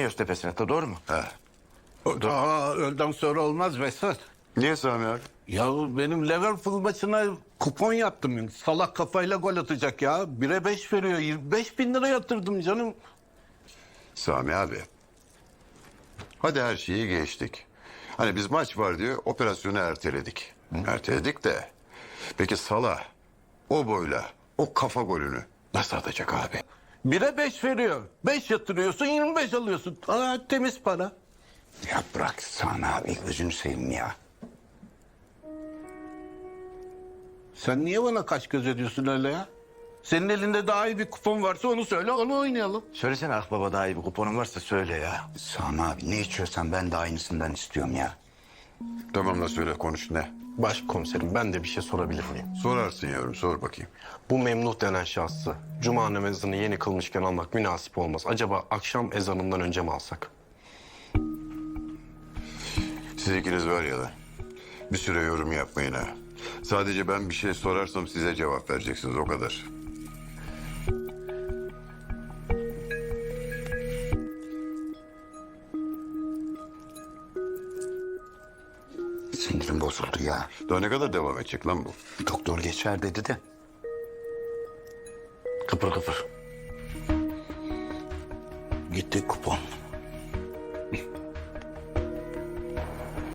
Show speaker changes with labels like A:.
A: Göztepe'sine de doğru mu?
B: He.
C: Daha öğleden sonra olmaz Vesat.
B: Niye Sami abi?
C: Ya benim Liverpool maçına kupon yaptım. Salak kafayla gol atacak ya. 1'e 5 veriyor. 25 bin lira yatırdım canım.
B: Sami abi. Hadi her şeyi geçtik. Hani biz maç var diye operasyonu erteledik. Erteledik de. Peki Salah o boyla o kafa golünü nasıl atacak abi?
C: 1'e 5 veriyor. 5 yatırıyorsun 25 alıyorsun. Aa, temiz para.
D: Ya bırak Sami abi gözünü seveyim ya.
C: Sen niye bana kaş göz ediyorsun öyle ya? Senin elinde daha iyi bir kupon varsa onu söyle, onu oynayalım.
A: Söylesene Akbaba, daha iyi bir kuponun varsa söyle ya.
D: Sami abi ne içiyorsan ben de aynısından istiyorum ya.
B: Tamam da söyle konuş ne?
E: Başkomiserim, ben de bir şey sorabilir miyim?
B: Sorarsın yavrum, sor bakayım.
E: Bu Memduh denen şahsı cuma namazını yeni kılmışken almak münasip olmaz. Acaba akşam ezanından önce mi alsak?
B: Siz ikiniz var ya da bir süre yorum yapmayın ha. Sadece ben bir şey sorarsam size cevap vereceksiniz, o kadar.
D: Sinirim bozuldu ya.
B: Daha ne kadar devam edecek lan bu?
D: Doktor geçer dedi de.
A: Kıpır kıpır.
D: Gitti kupon.